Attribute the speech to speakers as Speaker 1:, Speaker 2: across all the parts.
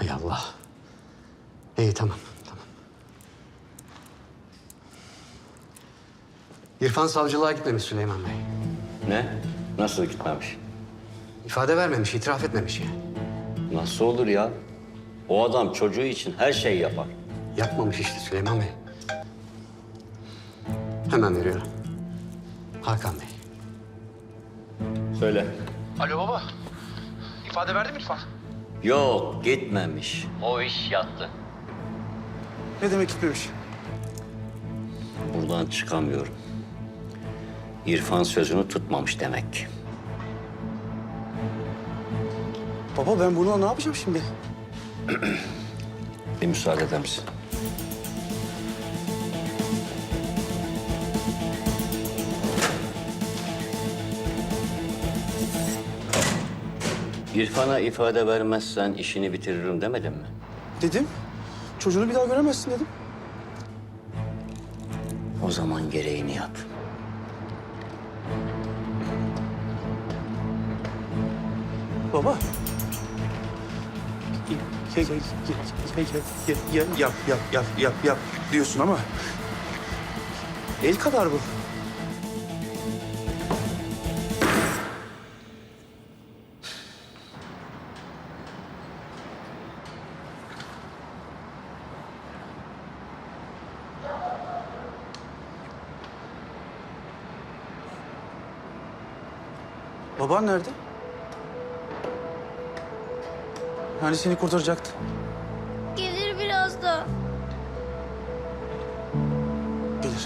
Speaker 1: Hay Allah. İyi tamam. İrfan savcılığa gitmemiş Süleyman Bey.
Speaker 2: Ne? Nasıl gitmemiş?
Speaker 1: İfade vermemiş, itiraf etmemiş yani.
Speaker 2: Nasıl olur ya? O adam çocuğu için her şeyi yapar.
Speaker 1: Yapmamış işte Süleyman Bey. Hemen veriyorum. Hakan Bey.
Speaker 2: Söyle.
Speaker 3: Alo baba. İfade verdi mi İrfan?
Speaker 2: Yok, gitmemiş. O iş yattı.
Speaker 3: Ne demek gitmemiş?
Speaker 2: Buradan çıkamıyorum. İrfan sözünü tutmamış demek ki.
Speaker 3: Baba ben bununla ne yapacağım şimdi?
Speaker 2: Bir müsaade eder misin? İrfan'a ifade vermezsen işini bitiririm demedin mi?
Speaker 3: Dedim. Çocuğunu bir daha göremezsin dedim.
Speaker 2: O zaman gereğini yap.
Speaker 3: Baba. Yap diyorsun ama el kadar bu. Baban nerede? Hani seni kurtaracaktı?
Speaker 4: Gelir biraz da.
Speaker 3: Gelir.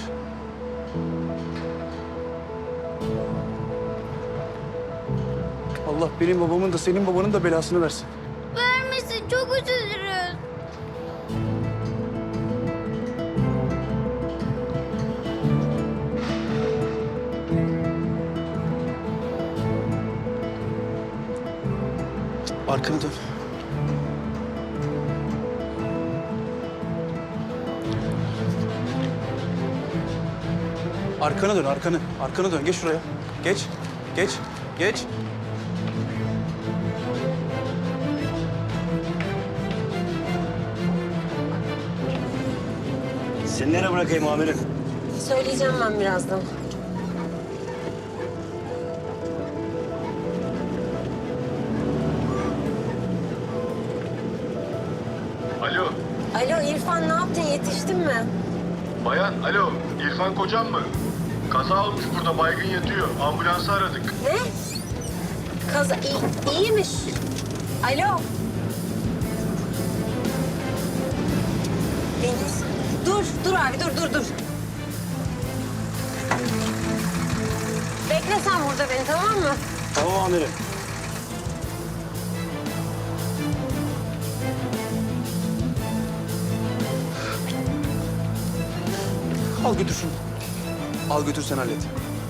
Speaker 3: Allah benim babamın da senin babanın da belasını versin.
Speaker 4: Vermesin, çok üzülürüz.
Speaker 3: Arkanı dön. Arkana dön, arkanı. Arkanı dön. Geç şuraya. Geç. Geç.
Speaker 2: Seni nereye bırakayım amirim?
Speaker 5: Söyleyeceğim ben birazdan.
Speaker 6: Alo,
Speaker 5: Alo İrfan, ne yaptın? Yetiştin mi?
Speaker 6: bayan, alo. İrfan kocam mı? Kaza olmuş burada, baygın yatıyor. Ambulansı aradık.
Speaker 5: Ne? Kaza... İyiymiş. Alo. Deniz. Dur abi, dur. Bekle sen burada beni, tamam mı?
Speaker 3: Tamam amirim. Al götür şunu. Al götür sen hallet.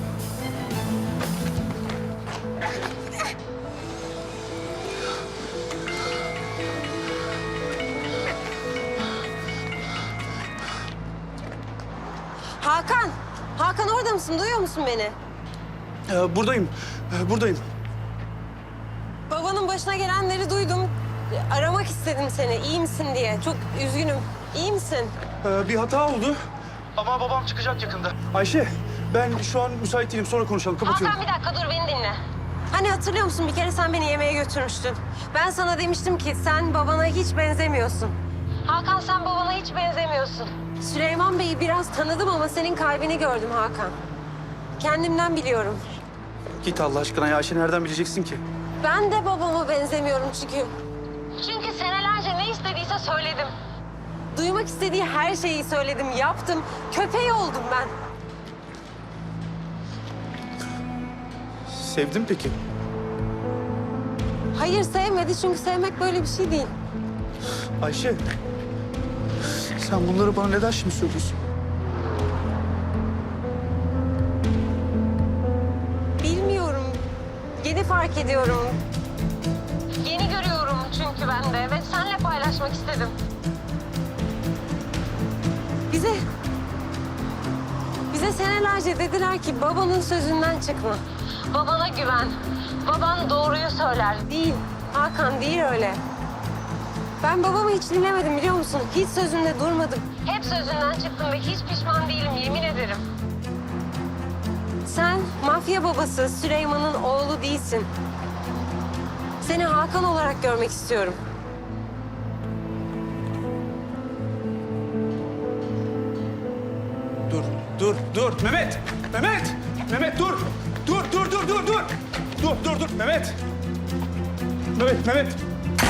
Speaker 5: Hakan orada mısın? Duyuyor musun beni?
Speaker 3: Buradayım.
Speaker 5: Babanın başına gelenleri duydum. Aramak istedim seni, iyi misin diye. Çok üzgünüm. İyi misin?
Speaker 3: Bir hata oldu. Ama babam çıkacak yakında. Ayşe, ben şu an müsait değilim. Sonra konuşalım. Kapatıyorum.
Speaker 5: Hakan bir dakika dur, beni dinle. Hani hatırlıyor musun, bir kere sen beni yemeğe götürmüştün. Ben sana demiştim ki sen babana hiç benzemiyorsun. Hakan, sen babana hiç benzemiyorsun. Süleyman Bey'i biraz tanıdım ama senin kalbini gördüm Hakan. Kendimden biliyorum.
Speaker 3: Git Allah aşkına ya. Ayşe nereden bileceksin ki?
Speaker 5: Ben de babama benzemiyorum çünkü. Çünkü senelerce ne istediyse söyledim. Duymak istediği her şeyi söyledim, yaptım. Köpeği oldum ben.
Speaker 3: Sevdim peki.
Speaker 5: Hayır, sevmedi çünkü sevmek böyle bir şey değil.
Speaker 3: Ayşe, sen bunları bana neden şimdi söylüyorsun?
Speaker 5: Bilmiyorum. Yeni fark ediyorum. Yeni görüyorum çünkü ben de ve seninle paylaşmak istedim. Bize senelerce dediler ki babanın sözünden çıkma. Babana güven. Baban doğruyu söyler. Değil. Hakan, değil öyle. Ben babamı hiç dinlemedim biliyor musun? Hiç sözünde durmadım. Hep sözünden çıktım ve hiç pişman değilim yemin ederim. Sen mafya babası Süleyman'ın oğlu değilsin. Seni Hakan olarak görmek istiyorum.
Speaker 3: Dur. Mehmet! Mehmet dur! Dur. Mehmet! Mehmet!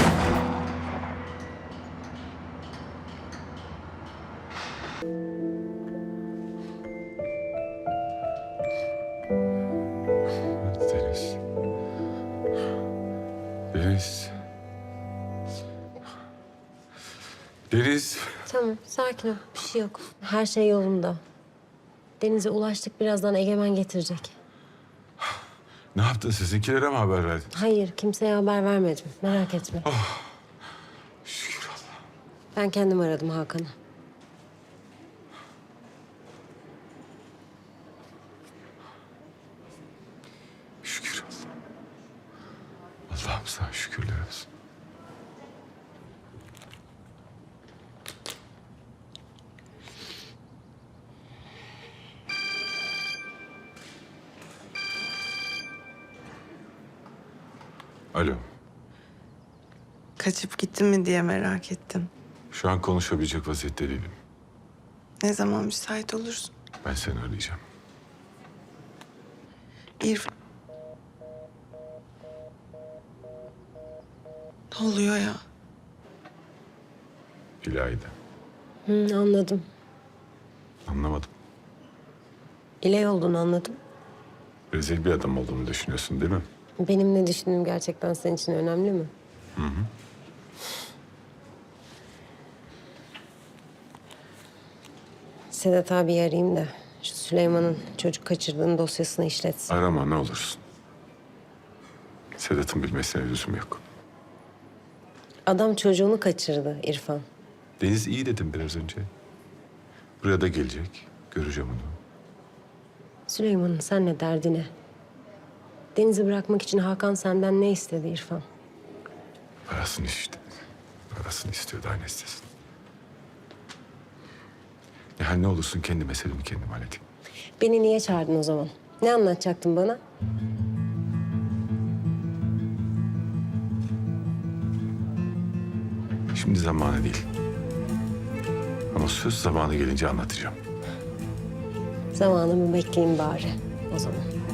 Speaker 7: Deniz. Deniz. Deniz.
Speaker 5: Tamam, sakin ol. Bir şey yok. Her şey yolunda. Denize ulaştık. Birazdan Egemen getirecek.
Speaker 7: Ne yaptın? Sizinkilere mi haber verdin?
Speaker 5: Hayır, kimseye haber vermedim. Merak etme.
Speaker 7: Şükür Allah.
Speaker 5: Ben kendim aradım Hakan'ı.
Speaker 7: Şükür Allah. Allah'ım sana şükürler olsun. Alo.
Speaker 8: Kaçıp gitti mi diye merak ettim.
Speaker 7: Şu an konuşabilecek vaziyette değilim.
Speaker 8: Ne zaman müsait olursun?
Speaker 7: Ben seni arayacağım.
Speaker 8: İrfan. Ne oluyor ya?
Speaker 7: İlayda.
Speaker 5: Anladım.
Speaker 7: Anlamadım.
Speaker 5: İley olduğunu anladım.
Speaker 7: Rezil bir adam olduğumu düşünüyorsun değil mi?
Speaker 5: Benim ne düşündüğüm gerçekten senin için önemli mi? Sedat abi arayayım da şu Süleyman'ın çocuk kaçırdığının dosyasını işletsin.
Speaker 7: Arama ne olursun. Sedat'ın bilmesine lüzum yok.
Speaker 5: Adam çocuğunu kaçırdı İrfan.
Speaker 7: Deniz iyi dedim biraz önce. Buraya da gelecek. Göreceğim onu.
Speaker 5: Süleyman'ın senle derdi ne? Deniz'i bırakmak için Hakan senden ne istedi İrfan?
Speaker 7: Parasını işte. Parasını istiyor daha ne istesin. Yani ne olursun kendi meselemi kendim halledeyim.
Speaker 5: Beni niye çağırdın o zaman? Ne anlatacaktın bana?
Speaker 7: Şimdi zamanı değil. Ama söz zamanı gelince anlatacağım.
Speaker 5: Zamanımı bekleyeyim bari o zaman.